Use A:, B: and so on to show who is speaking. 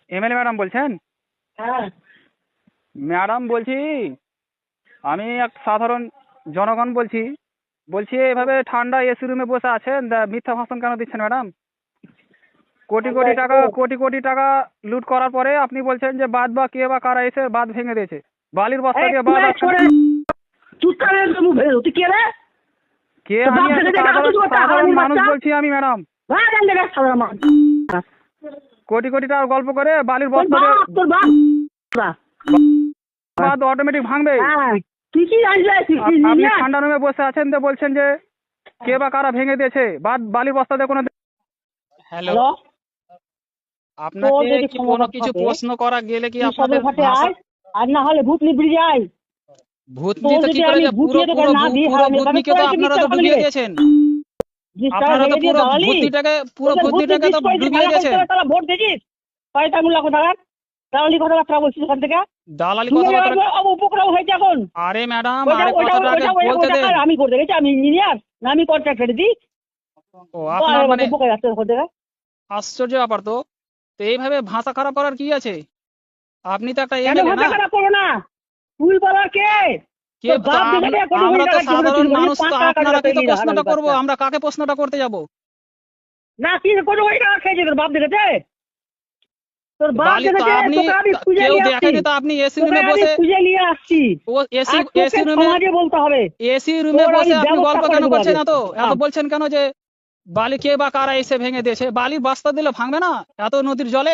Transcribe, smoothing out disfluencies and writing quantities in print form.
A: MLA madam বলছেন?
B: হ্যাঁ
A: madam বলছি, আমি এক সাধারণ জনগণ বলছি। বলছি এভাবে ঠান্ডা এসি রুমে বসে আছেন, মিথ্যা ভাষণ কেন দিচ্ছেন ম্যাডাম? কোটি কোটি টাকা লুট করার পরে আপনি বলছেন যে বাঁধ বা কে বা কারা এসে বাঁধ ভেঙে দিয়েছে, বালির বস্তা দিয়ে বাঁধ
B: তুই কে রে?
A: কে?
B: তো
A: আমি
B: বাপ
A: একটা
B: ভেঙে দেখা তো তোমার
A: সাধারণ
B: হারামির
A: মানুষ
B: বাচ্চা।
A: বলছি আমি ম্যাডাম।
B: সাধারণ মানুষ।
A: কোটি টাকার গল্প করে বালির
B: তোর
A: বস্তা দিয়ে
B: বাপ তোর বাপ
A: বাঁধ অটোমেটিক ভাঙবে।
B: হ্যাঁ তুই কি জানিস? তুই কি
A: আপনি
B: জানিস?
A: ঠান্ডা রুমে বসে আছেন তো বলছেন যে কে বা কারা ভেঙে দিয়েছে বাঁধ, বালির বস্তা দিয়ে কোনো। হ্যালো,
B: হ্যালো,
A: আপনাকে
B: তোর যদি
A: কি কোনো কিছু
B: থাকে,
A: প্রশ্ন করা গেলে কি
B: তুই
A: আপনাদের
B: সদরঘাটে
A: ভাষা
B: আয়, আর না হলে ভূতনি ব্রিজে আয়।
A: ভূতনি
B: তোর
A: তো কি
B: যদি
A: করে
B: আমি
A: যে পুরো
B: ভূতিয়ে তোকে
A: পুরো
B: না দিই
A: পুরো
B: হারামি, তাহলে
A: ভূতনিকে
B: তোর
A: তো
B: একটু
A: আপনারা তো
B: বিশ্বাস
A: ডুবিয়ে
B: করবি।
A: দিয়েছেন।
B: 20 টাকা
A: আপনারা তো
B: ভেঙে দিয়ে
A: পুরো
B: দাঁড়ালি।
A: ভূতনিটাকে তো ডুবিয়ে দিয়েছেন।
B: তারা ভোট দিয়েছিস কয়টা লাখ টাকা দালালি কথাবার্তা বলছিস ওখান থেকে।
A: দালালি
B: শুনে
A: কথাবার্তা।
B: উপক্রম হয়েছে এখন।
A: আরে ম্যাডাম,
B: ওইটা
A: আরে
B: ওইটা
A: কথাটা আগে
B: ওইটা
A: বলতে
B: ওইটা
A: দেন।
B: আমি করতে গেছি, আমি ইঞ্জিনিয়ার না আমি কন্ট্রাক্টর দিই।
A: ও আপনার মানে
B: উপকার আসছে ওখান থেকে।
A: আশ্চর্য ব্যাপার তো। তো এইভাবে ভাষা খারাপ করার কি আছে? আপনি তো একটা
B: কেন
A: এমএলএ
B: ভাষা
A: না?
B: খারাপ করো না? তুই বলার কে?
A: কে
B: তোর বাপ দেখে দে, কোটি
A: আমরা
B: কোটি
A: তো
B: টাকা জীবনে
A: সাধারণ
B: চুরি করেছিস,
A: মানুষ,
B: 5
A: তো
B: টাকা
A: আপনারা
B: কাজে
A: কি তো
B: পেলি না
A: প্রশ্নটা
B: হারামির
A: করবো?
B: বাচ্চা।
A: আমরা কাকে প্রশ্নটা করতে যাব?
B: না কি কোটি কোটি টাকা খেয়েছে তোর বাপ দেখেছে? তোর বাপ
A: বালি তো
B: দেখেছে?
A: আপনি
B: তোকে আমি খুঁজে
A: কেউ
B: নিয়ে আসছি।
A: দেখেনি তো আপনি এসি
B: তোকে
A: রুমে
B: আমি
A: বসে,
B: খুঁজে নিয়ে আসছি।
A: ও এসি
B: আর তোকে
A: এসি রুমে
B: সমাজে বলতে হবে।
A: এসি রুমে
B: তোর আমি
A: বসে আপনি
B: ব্যবস্থা
A: গল্প
B: করে
A: কেন
B: দেবো
A: করছেন?
B: আগে।
A: এত বলছেন কেন যে বালি কে বা কারা এসে ভেঙে দিয়েছে? বালির বস্তা দিলে ভাঙবে না এত নদীর জলে?